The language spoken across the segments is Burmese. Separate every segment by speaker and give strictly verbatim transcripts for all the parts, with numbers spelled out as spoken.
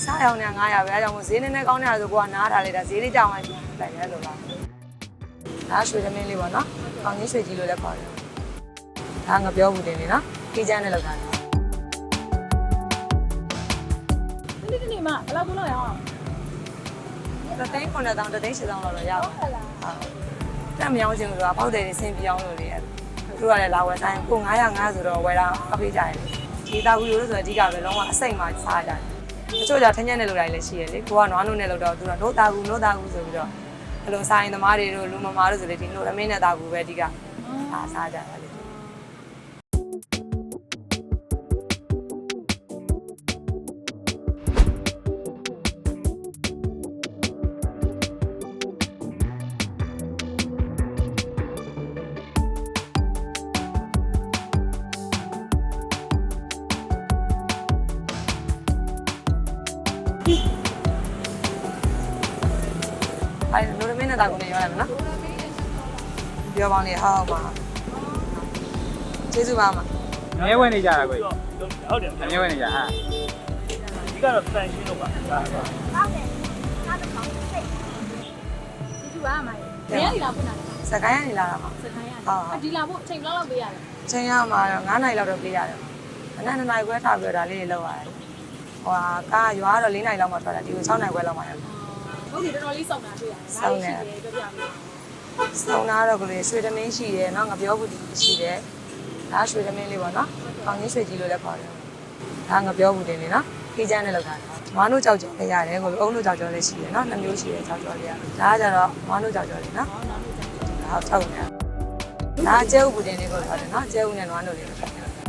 Speaker 1: စားရောင်နဲ့ငါးရာပဲအဲကြောင့်မို့ဈေးနည်းနည်းကောင်းနေတာဆိုကိုကနားထားလိုက်တာဈေးလေးကြောင်လိုက်လိုက်ရဲလို့လားဒါရွှေသမင်းလေးပေါ့နော်ကောင်းကြီးရွှေကြီးလို့လည်းခေါ်တယ်ဒါငါပြောဘူးတင်နေနော်ကြီးချမ်းနဲ့လောက်တာ
Speaker 2: ဒီနေ့ဒီနေ့မှဘယ်လောက်ဘူးလောက်ရအောင်
Speaker 1: တသိန်းခုနှစ်တောင်တသိန်းရှစ်တောင်လောက်တော့ရပါဟုတ်တက်မရောင်းချင်လို့ကပေါက်တယ်ဆင်းပြောင်းလို့လေသူကလည်းလာဝယ်ဆိုင်ကို900 900ဆိုတော့ဝယ်တာအဖေးကြတယ်ဒီတာကူရိုးလို့ဆိုတော့အဓိကပဲလုံးဝအစိမ့်မှစားကြတယ်တချို့ကြထင်းညက်နဲ့လောက်တိုင်းလည်းရှိရလေကိုကနွားနို့နဲ့လောက်တော့သူကနို့တာကူနို့တာကူဆိုပြီးတော့ဘယ်လိုဆိုင်သမားတွေတို့လူမမာတို့ဆိုလေဒီနို့အမင်းနဲ့တာကူပဲအဓိကအားစားကြတာလေအဲ့လိုလိုမင်းနဲ့တာကုန်နေရောရမယ်နော်ပြောပေါင်းလေးဟောက်ပါကျေးဇူးပါမ
Speaker 3: အမြဲဝင်နေကြတာကို
Speaker 4: ဟုတ်တယ်
Speaker 3: အမြဲဝင်နေကြဟာ
Speaker 4: ဒီကတော့တန်ရှင်းတော့ပါဟုတ်တယ်
Speaker 2: ဟုတ်တယ်နားတော့ကောင်းတယ်ဒီသူကမိုင်းဘယ်ရည်လာဖွင့်တာလဲ
Speaker 1: စကိုင်းကနေလာတာပါ
Speaker 2: စကိုင်းရဟုတ်ဒီလာဖို့အချိန်ဘယ်လောက်ပေးရလဲ
Speaker 1: ချိန်ရမှာတော့9နိုင်လောက်တော့ပေးရတယ်အနက်2နိုင်ခွဲထားပြီးတော့ဒါလေးတွေလောက်ရတယ်ဟိုဟာကားရွာတော့4နိုင်လောက်မှထွက်တာဒီကို6နိုင်ခွဲလောက်မှရတယ်
Speaker 2: ဟုတ်ပြီတော်တော်လေးစောင့်တာတွေ့ရတယ်။ဒါလေးရှိတယ်ပြောပြမယ်
Speaker 1: ။စောင့်တာတော့ကလေးရွှေသမင်းရှိတယ်နော်ငါပြောဘူးဒီရှိတယ်။ဒါရွှေသမင်းလေးပေါ့နော်။ကောင်းကြီးရွှေကြီးလို့လည်းခေါ်တယ်။ဒါငါပြောဘူးတင်နေနော်။ခေးချမ်းနဲ့လောက်တာ။မွားနို့ကြောက်ကြော်လည်းရတယ်ကိုအုံးနို့ကြောက်ကြော်လည်းရှိတယ်နော်။နှမျိုးရှိတယ်ကြောက်ကြော်လေးရ။ဒါကကြတော့မွားနို့ကြောက်ကြော်လေးနော်။ဒါထောက်နေ။ဒါကျဲဥပူတင်လေးကိုခေါ်တယ်နော်။ကျဲဥနဲ့နွားနို့လေးကိုခေါ်တယ်
Speaker 2: ။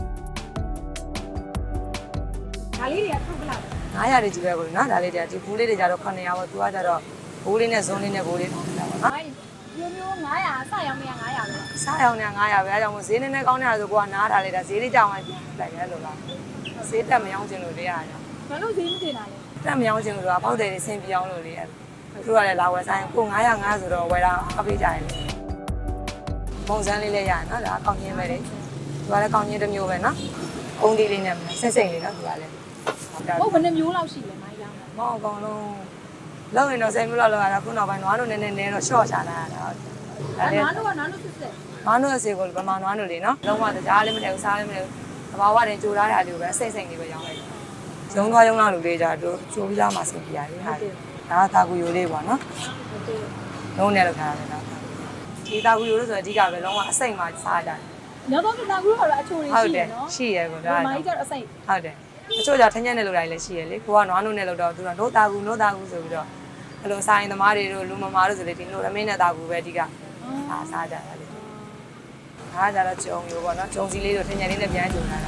Speaker 2: ဒါလေးတွေကထုတ်ပလောက်
Speaker 1: 900ရည်ကြီးပဲကိုနော်ဒါလေးတွေကဒီဘူးလေးတွေကြတော့900ပေါ့သူကကြတော့ဘူးလေးနဲ့ဇွန်းလေးနဲ့ဘူးလေးထောင်းနေတာပေါ့နော်
Speaker 2: မျိုးမျိုး900စရောင်းမရ900ပဲ
Speaker 1: စားရောင်နဲ့900ပဲအဲကြောင့်မို့ဈေးနည်းနည်းကောင်းနေတာဆိုကိုကနားထားလိုက်တာဈေးလေးကြောင်လိုက်လိုက်ရဲလို့လားဈေးတက်မရောင်းချင်လို့လေအားကြောင့်
Speaker 2: ဘာလို့ဈေးမတင်တာလဲ
Speaker 1: တက်မရောင်းချင်လို့ကပေါက်တယ်ဆင်းပြောင်းလို့လေသူကလည်းလာဝယ်ဆိုင်ကို900 900ဆိုတော့ဝယ်တာအပေးကြတယ်ပုံစံလေးလည်းရတယ်နော်ဒါကောင်းချင်းပဲလေသူကလည်းကောင်းချင်းတစ်မျိုးပဲနော်အုံးဒီလေးနဲ့ဆင့်စိမ့်လေးနော်သူကလည်း
Speaker 2: ဟုတ်ဘယ်နှမျိုးလောက်ရှိလဲမိုင်းရောင်းတာ
Speaker 1: မဟုတ်အကောင်လုံးလောက်ရင်တော့ဆယ်မျိုးလောက်လောက်ရတာခုနောက်ပိုင်းနွားတို့နည်းနည်းနည်းတော့ရှော့ချလာတာဟုတ်
Speaker 2: တယ်နွားတို့ကနွားတို့စစ်စစ်
Speaker 1: နွားတို့အစီကိုဗမာနွားတို့လေနော်လုံးဝကြားလေးမထည့်ဘူးစားလေးမထည့်ဘူးသဘာဝတင်ကြိုထားတာလေးကိုပဲအစိမ့်စိမ့်လေးပဲရောင်းလိုက်တယ်ရုံသွားရုံလာလူလေးကြတို့ကြိုပြီးသားမှဆင်ပြရတယ်ဟာဒါကသာကူယိုလေးပေါ့နော်
Speaker 2: ဟုတ်တယ်
Speaker 1: လုံးနဲ့လောက်ထားတယ်ဒါဒီသာကူယိုလို့ဆိုတော့အဓိကပဲလုံးဝအစိမ့်မှစားကြတယ်
Speaker 2: နောက်တော့သာကူကတော့အချိုတွေရှိတယ်နော်
Speaker 1: ရှိရကိုဒါ
Speaker 2: မိုင်းကျတော့အစိမ့်
Speaker 1: ဟုတ်တယ်အချို့ကြထင်းညက်နဲ့လောက်တိုင်းလည်းရှိရလေကိုကနွားနို့နဲ့လောက်တော့သူကနို့တာကူနို့တာကူဆိုပြီးတော့ဘယ်လိုဆိုင်သမားတွေတို့လူမမာတို့ဆိုလေဒီနို့အမင်းနဲ့တာကူပဲအဓိကအားစားကြတာလေအားကြတော့ဂျုံမျိုးပေါ့နော်ဂျုံစီလေးတို့ထင်းညက်လေးနဲ့ပြန်ဂျုံလာတာ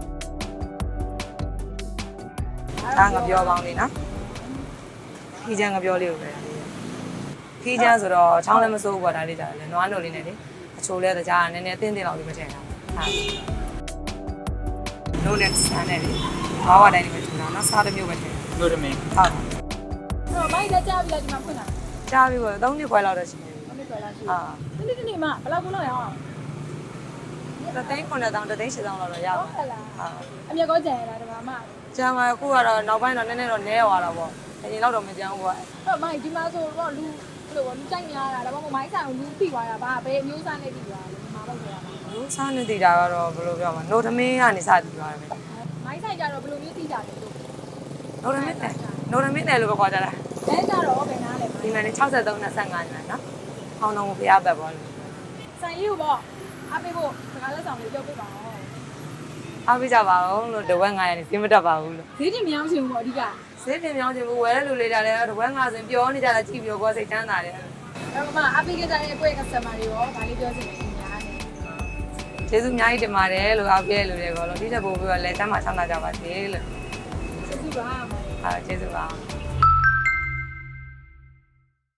Speaker 1: ဒါငါပြောပေါင်းလေးနော်ခီးချမ်းငါပြောလေးကိုပဲခီးချမ်းဆိုတော့ချောင်းလည်းမစိုးဘူးပေါ့ဒါလေးကြတယ်လေနွားနို့လေးနဲ့လေအချိုလဲတကြားကနည်းနည်းအတင်းတင်းလောက်လေးမထည့်တာဟာနို့နဲ့ဆန်းနဲ့လေဘာဝတိုင်းလေးပဲထည့်တာနော်စားတစ်မျိုးပဲထည့်
Speaker 3: လို့တမင်း
Speaker 1: ဟုတ်
Speaker 2: တော့မိုင်းလက်ကြပြီလားဒီမှာဖွင့်တာ
Speaker 1: ကြားပြီပေါ့သုံးနှစ်ခွဲလောက်တော့ရှိတယ်
Speaker 2: သုံးနှစ်ခွဲလောက်ရှိအာဒီနေ့ဒီနေ့မှဘယ်လောက်ဘူးလောက်ရအောင်
Speaker 1: တသိန်းခုနှစ်တောင်တသိန်းရှစ်တောင်လောက်တော့ရပါ
Speaker 2: ဟုတ်လားဟာအမြက်ကောကြံရတာဒီမှာမှ
Speaker 1: ကျန်ပါအခုကတော့နောက်ပိုင်းတော့နည်းနည်းတော့နဲသွားတာပေါ့အရင်တော့မကြမ်းဘူးပေါ့
Speaker 2: ဟုတ်မိုင်းဒီမှာဆိုတော့လူဘယ်လိုလူကြိုက်များတာဒါမှမဟုတ်မိုင်းဆိုင်လူပြီးသွားတာဗာဘယ်အမျိုးသားနဲ့ပြီးသွားလဲဒီမှာတော့ဆိုတာပါ
Speaker 1: လူစားနေတည်တာကတော့ဘယ်လိုပြောမလဲနို့သမင်းကနေစတည်သွားတယ်ပဲ
Speaker 2: မိုင်းဆိုင်ကြတော့ဘယ်လိုမျိုးသိကြလဲလို့
Speaker 1: နို့သမင်းတယ်နို့သမင်းတယ်လို့ပဲခေါ်ကြတာ
Speaker 2: အဲကြတော့ဘယ်နားလဲ
Speaker 1: ဒီမှာနေ63 25ညနော်ဟောင်းတော်ကိုဖျားပတ်ပေါ့လို့
Speaker 2: ဆိုင်ကြီးကိုပေါ့အားပေးဖို့စကားလက်ဆောင်လေးပြောပြပါဦး
Speaker 1: အားပေးကြပါဦးလို့တဝက်900နဲ့စီးမတက်ပါဘူးလို့
Speaker 2: ဈေးတင်မရောင်းချင်ဘူးပေါ့အဓိက
Speaker 1: ဈေးတင်မရောင်းချင်ဘူးဝယ်တဲ့လူလေးကြတယ်တဝက်900ဆိုရင်ပြောနေကြတာကြည့်ပြီးတော့ကိုယ်စိတ်ချမ်းသာတယ်
Speaker 2: အဲ့မှာအားပေးကြတဲ့ကိုယ့်ရဲ့ customer တွေရောဒါလေးပြောချင်တယ်ခင်ဗျာ
Speaker 1: ကျေးဇူးအများကြီးတင်ပါတယ်လို့အားပေးရလို့လေကောလို့ဒီချက်ပို့ပြီးတော့လက်ချမ်းမှာချမ်းသာကြပါစေလို့
Speaker 2: ကျေးဇူးပါ
Speaker 1: ဟာကျေးဇူးပါ